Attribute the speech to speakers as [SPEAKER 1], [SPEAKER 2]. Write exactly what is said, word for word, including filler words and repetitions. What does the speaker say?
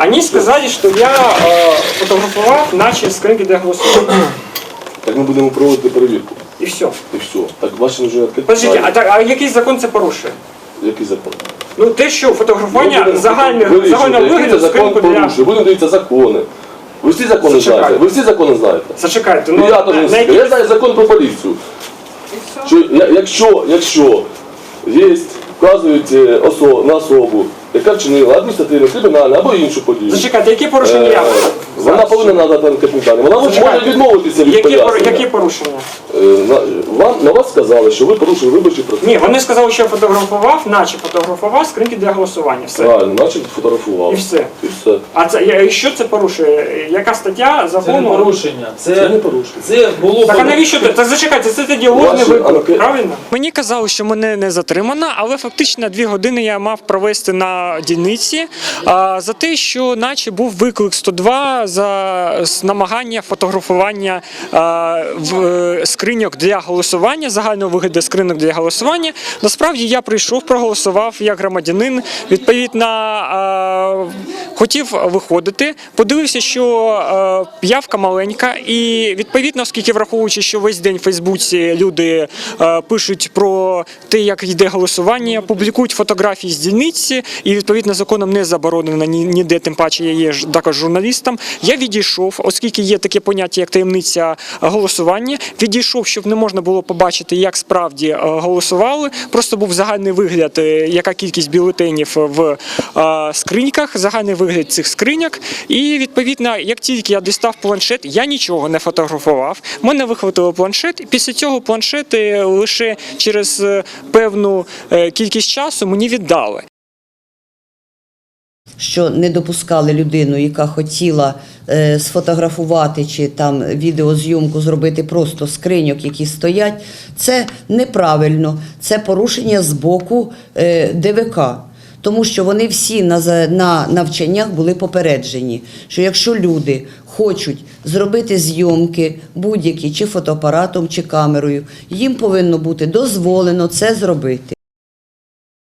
[SPEAKER 1] Они сказали, что я э, фотографовал наши скринки для голосования.
[SPEAKER 2] Так ми будемо проводити перевірку.
[SPEAKER 1] І все.
[SPEAKER 2] І все. Так ваші вже відкриті.
[SPEAKER 1] Подождите, а, так, а який закон це порушує?
[SPEAKER 2] Який закон?
[SPEAKER 1] Ну те, що фотографування
[SPEAKER 2] Ми будемо
[SPEAKER 1] загальних,
[SPEAKER 2] вирішувати,
[SPEAKER 1] загального
[SPEAKER 2] який
[SPEAKER 1] вигляду
[SPEAKER 2] це закон
[SPEAKER 1] скринку для...
[SPEAKER 2] порушує. Будемо дивитися закони. Ви всі закони
[SPEAKER 1] Зачекайте.
[SPEAKER 2] знаєте? Ви всі закони знаєте?
[SPEAKER 1] Зачекайте,
[SPEAKER 2] Ну,
[SPEAKER 1] ну,
[SPEAKER 2] я, теж
[SPEAKER 1] на,
[SPEAKER 2] не
[SPEAKER 1] на
[SPEAKER 2] знаю.
[SPEAKER 1] які...
[SPEAKER 2] Я знаю закон про поліцію. Що, я- якщо, якщо є, вказують е, осо, на особу, яка вчинила адміністративну, кримінальну або іншу подію,
[SPEAKER 1] Зачекайте, які порушення
[SPEAKER 2] е,
[SPEAKER 1] я?
[SPEAKER 2] вона повинна надати анкетні дані. Вона може
[SPEAKER 1] Зачекайте.
[SPEAKER 2] відмовитися від
[SPEAKER 1] Які, пор-
[SPEAKER 2] пояснення.
[SPEAKER 1] які порушення?
[SPEAKER 2] Е, на, вам, на вас сказали, що ви порушили виборчий процес.
[SPEAKER 1] Ні, вони сказали, що я фотографував, наче фотографував скринки для голосування. Все.
[SPEAKER 2] Правильно, значить фотографував.
[SPEAKER 1] І все.
[SPEAKER 2] І все.
[SPEAKER 1] А це я- що це порушує? Яка стаття
[SPEAKER 3] Це не
[SPEAKER 1] закону?
[SPEAKER 3] порушення. Це,
[SPEAKER 2] Це не порушення.
[SPEAKER 3] це було
[SPEAKER 1] Так а
[SPEAKER 3] б-
[SPEAKER 1] навіщо ти? Так зачекайте, це тоді ложний
[SPEAKER 2] Ваші
[SPEAKER 1] виклик,
[SPEAKER 2] анке-
[SPEAKER 1] правильно? Мені казали, що мене не затримано, але фактично дві години я мав провести на дільниці а, за те, що наче був виклик сто два за с- намагання фотографування а, в е, скриньок для голосування, загального вигляду скриньок для голосування. Насправді я прийшов, проголосував як громадянин, відповідно а, хотів виходити, подивився, що е, явка маленька, і відповідно, оскільки враховуючи, що весь день в Фейсбуці люди е, пишуть про те, як йде голосування, публікують фотографії з дільниці, і відповідно законом не заборонено ні- ніде, тим паче я є ж також журналістом. Я відійшов, оскільки є таке поняття, як таємниця голосування, відійшов, щоб не можна було побачити, як справді е, голосували. Просто був загальний вигляд, е, яка кількість бюлетенів в е, скриньках, загальний вигляд цих скриньок. І відповідно, як тільки я дістав планшет, я нічого не фотографував. Мене вихватило планшет, і після цього планшет е, лише через е, певну е, кількість часу мені віддали.
[SPEAKER 4] Що не допускали людину, яка хотіла е, сфотографувати чи там відеозйомку зробити просто скриньок, які стоять, це неправильно, це порушення з боку е, Д В К. Тому що вони всі на, за- на навчаннях були попереджені, що якщо люди хочуть зробити зйомки будь-які, чи фотоапаратом, чи камерою, їм повинно бути дозволено це зробити.